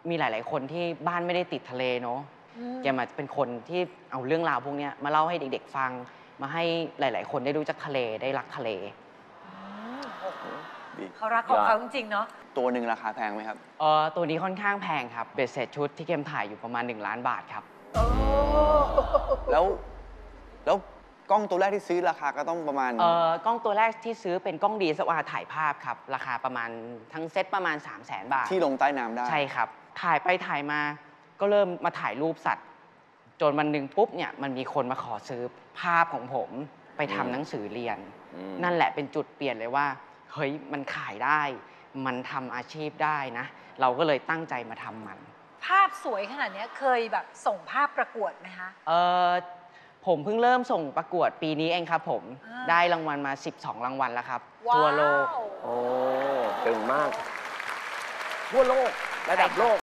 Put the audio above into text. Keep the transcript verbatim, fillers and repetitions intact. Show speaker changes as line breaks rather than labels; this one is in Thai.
มีหลายๆคนที่บ้านไม่ได้ติดทะเลเนาะแกมาเป็นคนที่เอาเรื่องราวพวกนี้มาเล่าให้เด็กๆฟังมาให้หลายๆคนได้รู้จักทะเลได้รักทะเล
เขารักของเขาจริงๆเนาะ
ตัวหนึ่งราคาแพงไหมครับ
เออตัวนี้ค่อนข้างแพงครับเบ็ดเสร็จชุดที่เกมถ่ายอยู่ประมาณหนึ่งล้านบาทครับ
แล้วแล้วกล้องตัวแรกที่ซื้อราคาก็ต้องประมาณ
เออกล้องตัวแรกที่ซื้อเป็นกล้อง ดี เอส แอล อาร์ ถ่ายภาพครับราคาประมาณทั้งเซ็ตประมาณ สามแสน บาท
ที่ลงใต้น้ำได้
ใช่ครับถ่ายไปถ่ายมาก็เริ่มมาถ่ายรูปสัตว์จนวันหนึ่งปุ๊บเนี่ยมันมีคนมาขอซื้อภาพของผมไปทำหนังสือเรียนนั่นแหละเป็นจุดเปลี่ยนเลยว่าเฮ้ยมันขายได้มันทำอาชีพได้นะเราก็เลยตั้งใจมาทำมัน
ภาพสวยขนาดนี้เคยแบบส่งภาพประกวดไหมคะ
เออผมเพิ่งเริ่มส่งประกวดปีนี้เองครับผมได้รางวัลมาสิบสองรางวัลแล้วครับทั่วโลก
โอ้เก่งมากทั่วโลกระดับโลก